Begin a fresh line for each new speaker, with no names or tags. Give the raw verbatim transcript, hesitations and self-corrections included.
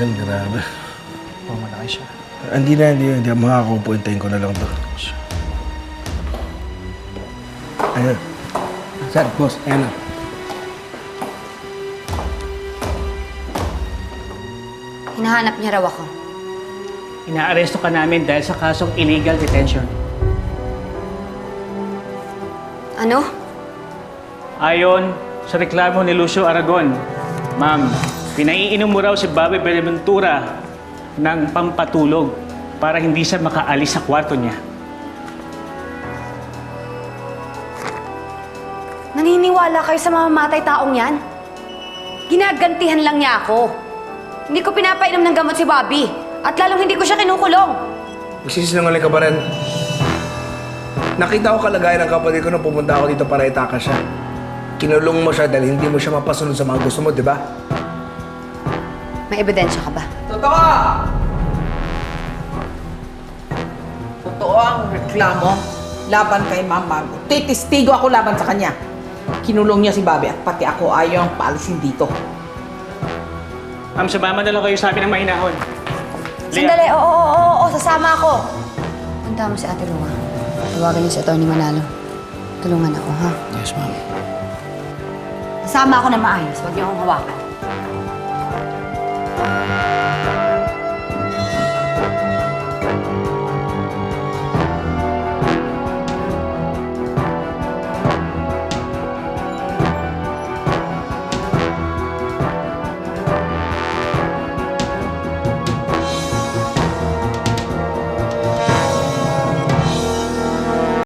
bagal, grabe.
Oh, malaki siya.
Hindi na, hindi, hindi. Makakaupo, hintayin ko na lang to. Ayan. Sir, boss, ayan na.
Hinahanap niya raw ako.
Inaaresto ka namin dahil sa kasong illegal detention.
Ano?
Ayon sa reklamo ni Lucio Aragon, ma'am, pinaiinom mo raw si Bobby Benaventura ng pampatulog para hindi siya makaalis sa kwarto niya.
Naniniwala kayo sa mamamatay taong yan? Ginagantihan lang niya ako. Hindi ko pinapainom ng gamot si Bobby. At lalong hindi ko siya kinukulong.
Magsisinungaling ka ba rin? Nakita ko kalagayan ng kapatid ko nung pumunta ako dito para itaka siya. Kinulong mo siya dahil hindi mo siya mapasunod sa mga gusto mo, di ba?
May ebidensya ka ba?
Totoo! Totoo ang reklamo laban kay Mama. Titistigo ako laban sa kanya. Kinulong niya si Bobby at pati ako ayaw ang paalisin dito.
Ma'am, sumama na lang kayo sa amin ng mahinahon.
Sandali, oo, oo, oo, oo, sasama ako. Punta mo si Ate Lua. Tawagan niyo si Atty. Manalo. Tulungan ako, ha?
Yes, ma'am.
Sasama ako na maayos. Huwag niyo akong hawakan.